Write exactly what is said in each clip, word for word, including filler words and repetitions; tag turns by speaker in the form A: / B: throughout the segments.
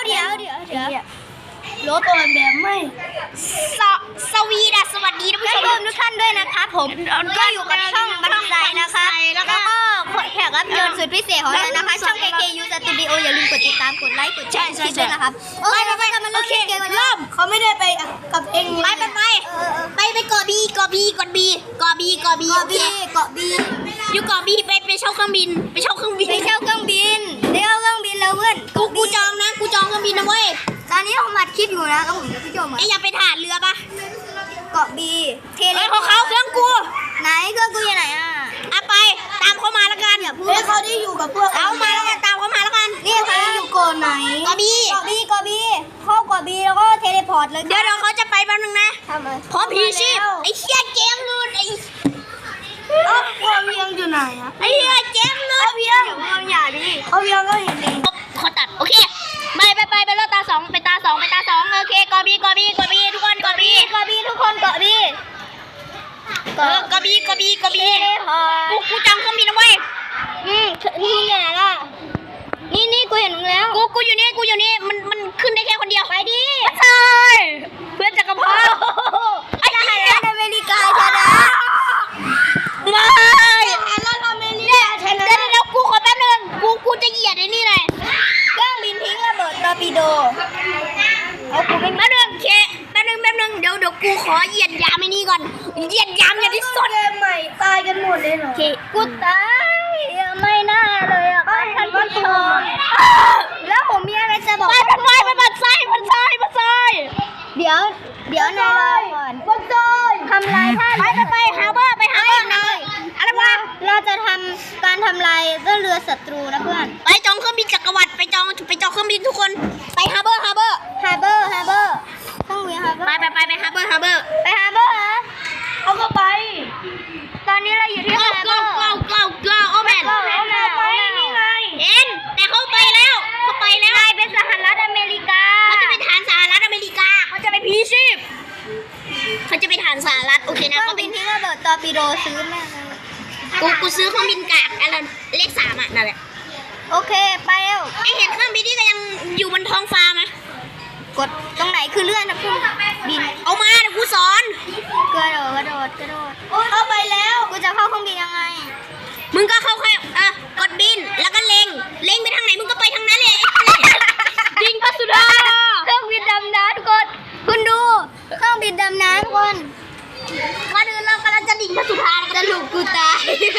A: เดี๋ยวเดี๋ยวเดี๋ยว
B: รถตัวแบบไม่
A: สสวีดัสสวัสดีท่านผู้ชมทุกท่านด้วยนะครับผมก็อยู่กับช่องบันไดนะคะแล้วก็แขกรับเชิญสุดพิเศษของเรานะคะช่อง เค เค ยู Studio อย่าลืมกดติดตามกดไลค์กดแชร์คลิปด้วยนะครับโอเคไปกันมาเริ่มเกมกันเริ่ม
B: เขาไม่ได้ไปกับเอง
A: ไปไปไปไปไปเกาะบีเกาะบีเกาะบีเกาะบีเกาะบี
B: เกาะบีเกาะบี
A: อยู่เกาะบีไปไปเช่าเครื่องบินไปเช่าเครื่องบินไปเช่าเครื่องบินไปเช่าเครื่องบินแล้วเพื่อนกูกูจองนะกูจองเครื่องบินนะเว้ยตอนนี้ผมอัดคลิปอยู่นะครับผมพี่โจมไอ้อย่าไปถ่านเรือปะเกาะบีเทเลของเขาเครื่องกูไหนเครื่องกูอยู่ไหนอ่ะอ่ะไปตามเขามาแล้วกันอย่าพูด
B: เฮ้ยเขาได้อยู่กับพวก
A: เอามาแล้วกันตามเขามาแล้วกันนี่
B: เขา
A: ค่ะ
B: อยู่ก่อนไหน
A: เกาะบีเกาะบีเกาะบีเข้าเกาะบีแล้วก็เทเลพอร์ตเลยเดี๋ยวเดี๋ยวเขาจะไปแป๊บนึงนะ
B: ทำไม
A: พร้อมพีชีพไอ้เชี่ยเจมส์นู่นไอ้
B: เอ้าพ่อเพียงอยู่ไหนอะ
A: ไอ้เหี้ยเจมส์นู่นเพียงเราอย่าดิ
B: เขาเพียงก็เห็นเอง
A: เขาตัดโอเคไปไปไปไปรถตาสองไปตาสองไปตาสองโอเคกอบีกอบีกอบีทุกคนกอบีกอบีทุกคนกอบีเออกอบีกอบีกอบีกูกูจำเครื่องบินเอาไว้อืมนี่ไงล่ะนี่นี่กูเห็นมึงแล้วกูกูอยู่นี่กูอยู่นี่มันมันขึ้นได้แค่คนเดียวไปดิใช่เพื่อนจักรพรรดิไอ้ทหารอเมริกาชนะไม่
B: แล้วอเมริ
A: เดี๋ยว
B: กาชนะ
A: เดี๋ยวเดี๋ยวกูขอแป๊บนึงกูกูจะเหยียดไอ้นี่หน่อยเครื่องบินทิ้งระเบิดตอร์ปิโดเอากูเป็นแป๊บนึงเคแป๊บนึงแป๊บนึงเดี๋ยวเดี๋ยวกูขอเหยียดยามไอ้นี่ก่อนเหยียดยามอย่างที่สุด
B: เกมใหม่ตายกันหมดเลยเหรอ
A: เคกูตายไม่น่าเลยอ่ะท่านผู้ชมแล้วผมมีอะไรจะบอกไปไปไปไปบัดไส้บัดไส้บัดไส้เดี๋ยวเดี๋ยวนายรอก่อน
B: บันได
A: ทำลายท่าไปไปไปฮาร์เบอร์ไปฮาร์เบอร์นะอะไรวะเราจะทำการทำลายเรือศัตรูนะเพื่อนไปจองเครื่องบินจักรวรรดิไปจองไปจองเครื่องบินทุกคนไปฮาร์เบอร์ฮาร์เบอร์ฮาร์เบอร์ฮาร์เบอร์เครื่องบินฮาร์เบอร์ไปไปไปไปฮาร์เบอร์ฮาร์เบอร์ไปฮาร์เบอร์ฮะ
B: เขาก็ไป
A: ตอนนี้เราอยู่ที่ฮาร์เบอร์ go go go โอแมน
B: ไปนี่ไง
A: เอ็นแต่เขาไปแล้วเขาไปแล้วนายเป็นสหรัฐอเมริกาเขาจะไปฐานสหรัฐอเมริกาเขาจะไปพีชีพเขาจะไปฐานสหรัฐโอเคนะเขาเป็นที่ระเบิดตอร์ปิโดซื้อแม่กูกูซื้อเครื่องบินกากอะไรเลขสามอ่ะนั่นแหละโอเคไปแล้วไอเห็นเครื่องบินที่ก็ยังอยู่บนท้องฟ้าไหมกดตรงไหนคือเลื่อนนะคุณบินเอามาเดี๋ยวกูสอนกระโดดกระโดดกระโดด
B: เข้าไปแล้ว
A: กูจะเข้าเครื่องบินยังไงมึงก็เข้าแค่อ่ะกดบินแล้วก็เล็งเล็งไปทางไหนมึงก็ไปทางนั้นเลยยิงพระสุดาเครื่องบินดำน้ำทุกคนคุณดูเครื่องบินดำน้ำทุกคนมาดูเรากำลังจะดิ่งพระสุธาจะลูกกูตาย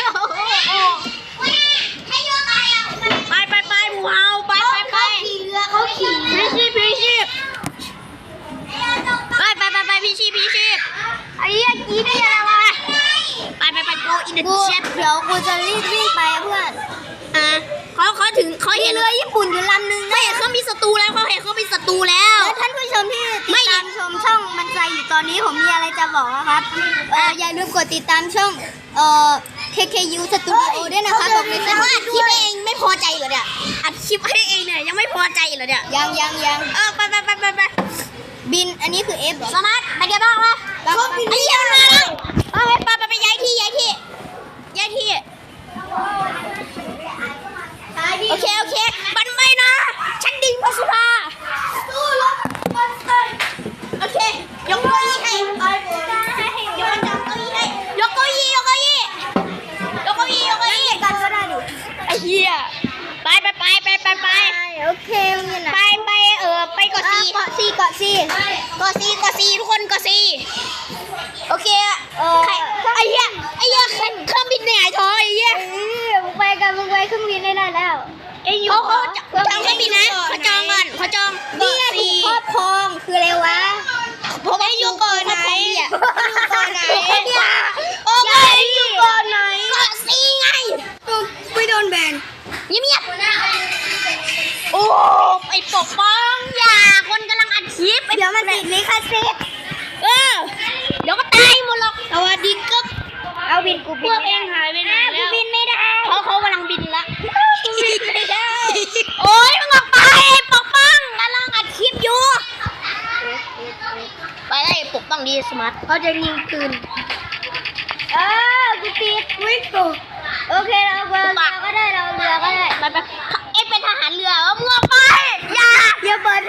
A: ไปไปไปหมูเฮาไปไปไป
B: ขี่เรือเขาขี่
A: พี่ชีพพี่ชีพไปไปไปไปพี่ชีพพี่ชีพไอ้ยี่กี้ได้ยังไงวะไปไปไปโกอินเดอะเชฟเดี๋ยวกูจะรีบวิ่งไปเพื่อนอ่าเขาเขาถึงเขาเห็นเรือญี่ปุ่นอยู่ลำนึงไม่เห็นเขามีศัตรูแล้วเขาเห็นเขามีศัตรูแล้วท่านผู้ชมที่ติดตามชมช่องมันใจอยู่ตอนนี้ผมมีอะไรจะบอกนะครับเอออย่าลืมกดติดตามช่องเอ่อ เค เค ยู Studio ด้วยนะครับผมเป็นว่าอัดคลิปเองไม่พอใจเหรอเนี่ยอัดคลิปให้เองเนี่ยยังไม่พอใจเหรอเนี่ยยังยังยังเออไปไปไปไปไปบินอันนี้คือ F สมาร์ทไปเดี๋ยวบ้างวะไอ้เหี้ยมาแล้วเอาไปไปไปย้ายที่ย้ายที่ย้ายที่โอเคโอเคบันไม่นะฉันดิ่งพระสุธาโอเคยกเก้าอี้ให้ยกเก้าอี้ให้ยกเก้าอี้ยกเก้าอี้ยกเก้าอี้ยกเก้าอี้กันก็ได้ดิไอ้เหี้ยไปไปไปไปไปไปโอเคไปไปเออไปเกาะซีเกาะซีเกาะซีเกาะซีเกาะซีทุกคนเกาะซีโอเคเออไอ้เหี้ยไอ้เหี้ยเครื่องบินเหนื่อยท้อไอ้เหี้ยมึงไปกันมึงไปเครื่องบินได้แล้วเขาเขาจองเครื่องบินนะเขาจองก่อนเขาจองนี่ถูกครอบครองคืออะไรวะเพราะว่าอยู่ก่อนไหนอยู่ก่อนไหนโอ้ยอยู่ก่อนไหนเกาะซีไงไม่โดนแบนเงียบๆโอ้ไอ้ปกป้องอย่าคนกำลังอัดคลิปเดี๋ยวมันติดลิขสิทธิ์เออเดี๋ยวก็ตายหมดหรอกสวัสดีครับเอาบินกูบินพวกเองหายไปไหนแล้วบินไม่ได้เขาเขากำลังบินละบินไม่ได้โอ้ยมึงออกไปปกป้องกำลังอัดคลิปอยู่ไปได้ปกป้องดีสมาร์ทเขาจะยิงคืนเออกูติดวิ่งตัวโอเคเราเรือก็ได้เราเรือก็ได้ไปไปเอ็งเป็นทหารเรือมึงออกไปอย่าอย่าเปิด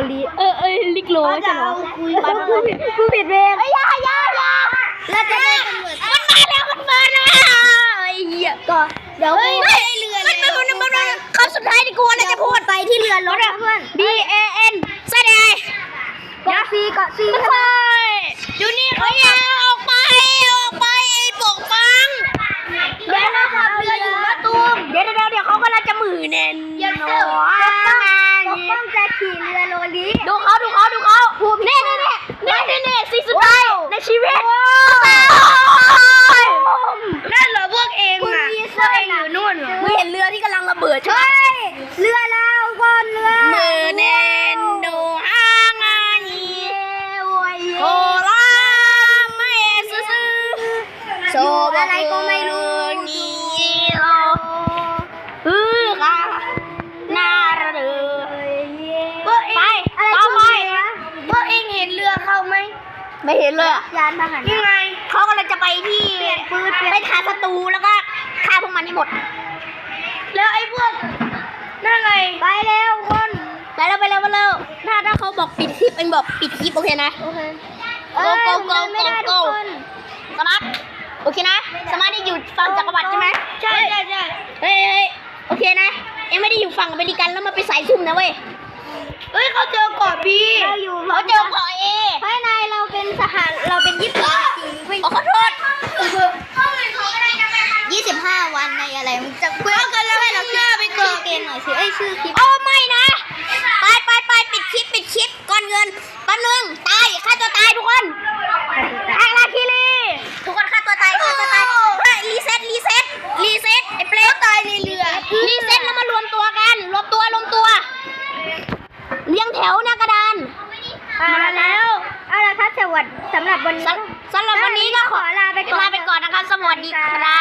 A: ลีเออเออลิกโลใช่ไหม
B: คุย
A: ไปไปไปกูผิดเวรไอ้ยายายา
B: แล้วจะได้ตำรวจ
A: มันมาแล้วมันมาแล้วไอ้เหี้ย
B: ก็เดี๋ยว
A: เฮ้ยเรือมันมันมันมันคำสุดท้ายที่กูอะไรจะพูด
B: ไปที่เรือรถนะเพื่อน
A: B A N แสดง
B: เกาะซีเกาะซี
A: ไม่ค่อยอยู่นี่เขาอยาออกไปออกไปไอ้ปกปัง
B: เดี๋ยวเราขับเรืออยู่นะตูม
A: เดี๋ยวเดี๋ยวเดี๋ยวเขากำลังจะมือเน้น
B: อย่า
A: หน
B: เสือก
A: อ
B: ปกป้องจะขี่เรือโรลี
A: ดูเขาดูเขาดูเขานี่นี่นี่นี่นี่นี่สีสุดท้ายในชีวิต
B: นั่นเหรอพวกเองอ่ะพวกเองอยู่นู่นเหรอ
A: มึงเห็นเรือที่กำลังระเบิดใช่ไหม
B: เฮ้ยเรือเราก่อนเรือ
A: มือเน้นโนฮางานีโคลาไม่ซื้อโซบ
B: อะไรก็ไม่รู้
A: นี่เราฮือค่ะน่าระเดือ
B: พวกเอง
A: ไปต่อไป
B: พวกเองเห็นเรือเขาไหม
A: ไม่เห็นเลยอะ
B: ยานพาหนะ
A: ยังไงเขากำลังจะไปที่
B: เปลี่ยนปืนเปลี่ยน
A: ไปหาศัตรูแล้วก็ฆ่าพวกมันให้หมด
B: แล้วไอ้พวกนั่นไงไปแล้วคน
A: ไปแล้วไปแล้วไปแล้วถ้าถ้าเขาบอกปิดคลิปเองบอกปิดคลิปโอเคนะ
B: โอเค
A: โกโกโก
B: ไม่ได้
A: โก
B: ทุกคน
A: สมาร์ทโอเคนะสมาร์ทได้อยู่ฝั่งจักรวรรดิใช่ไหม
B: ใช่ใช่ใช่
A: เฮ้ยเฮ้ยโอเคนะเอ็งไม่ได้อยู่ฝั่งอเมริกันแล้วมาไปสายซุ่มนะเว้ย
B: เฮ้ยเขาเจอเกาะบีเราอยู่
A: เขาเจอเกาะเอ
B: ภายในเราเป็นสหารเราเป็นญี่ปุ่นจริงไม่
A: ขอโทษ
B: ยี่สิบห้าวันในอะไรมึงจะเพื่อนกันแล้วเราหน้าไปเกาะเกมหน่อยสิไอ้ชื่อคลิป
A: โอ้ไม่นะไปไปไปปิดคลิปปิดคลิปก่อนเงินแป๊บนึงตายฆ่าตัวตายทุกคนอาราคิรีทุกคนฆ่าตัวตายฆ่าตัวตายเฮ้ยรีเซ็ตรีเซ็ตรีเซ็ตไอ้เปรตตายในเรือรีเซ็ตแล้วมารวมตัวกันรวมตัวรวมตัวเรียงแถวหน้ากระดาน
B: มาแล้วเอาละครับสวัสดีสำหรับวันนี้
A: สำสำหรับวันนี้ก็ขอ
B: ลาไปก่อน
A: ลาไปก่อนนะครับ สวัสดีครับ